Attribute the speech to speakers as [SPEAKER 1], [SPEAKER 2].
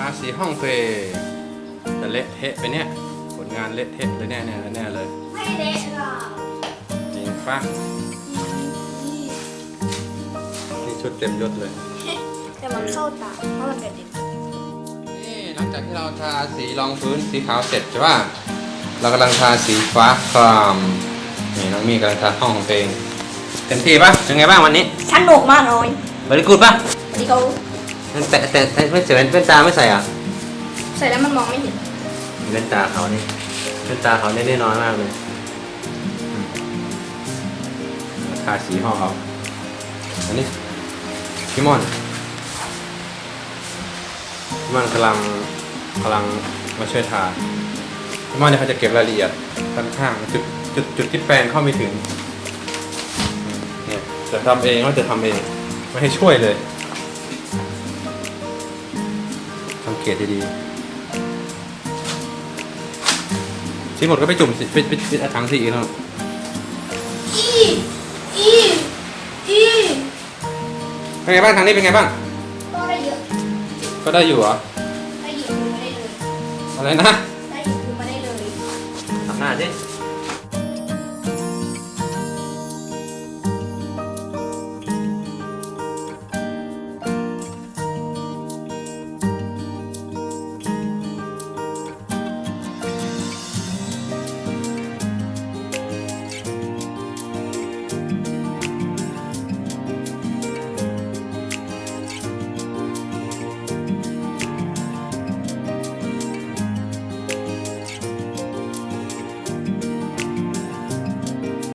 [SPEAKER 1] สีห้องตัวเองแต่เละเทะไปเนี่ยผลงานเละเทะเลยแน่เลย
[SPEAKER 2] ไม่เละหรอก
[SPEAKER 1] จริงปะนี่ชุดเต็มยศเลย
[SPEAKER 2] แต่มันเข้าตาเพราะมันกระเด็น
[SPEAKER 1] นี่หลังจากที่เราทาสีรองพื้นสีขาวเสร็จใช่ป่ะเรากำลังทาสีฟ้าครามนี่น้องมีกำลังทาห้องของตัวเองเต็มที่ป่ะเป็นไงบ้างวันนี้
[SPEAKER 2] สนุกมากเลย
[SPEAKER 1] บริกูดป่ะ
[SPEAKER 2] วันนี้เขา
[SPEAKER 1] แต่ไม่ใส่แว่นตาไม่ใส่อ่ะ
[SPEAKER 2] ใส่แล้วมันมองไม่เห็น
[SPEAKER 1] แว่นตาเขานี่แว่นตาเขาเนี่ยน้อยมากเลยทาสีห้องเขาอันนี้พี่มอนกำลังมาช่วยทาพี่มอนเนี่ยเขาจะเก็บรายละเอียดด้านข้างจุดที่แปรงเข้าไม่ถึงเนี่ยจะทำเองก็จะทำเองไม่ให้ช่วยเลยสังเกตดีๆสีหมดก็ไปจุ่มไปถังสีอีกแล้ว
[SPEAKER 2] อี
[SPEAKER 1] เป็นไงบ้างทางนี้เป็นไงบ้าง
[SPEAKER 2] ก็ได้เยอะ
[SPEAKER 1] ก็ได้อยู่เหรอ
[SPEAKER 2] ได้หยิบมือมาได้เลย
[SPEAKER 1] อะไรนะ
[SPEAKER 2] ได้หยิบมือมาได้เลย
[SPEAKER 1] ทำหน้าดิ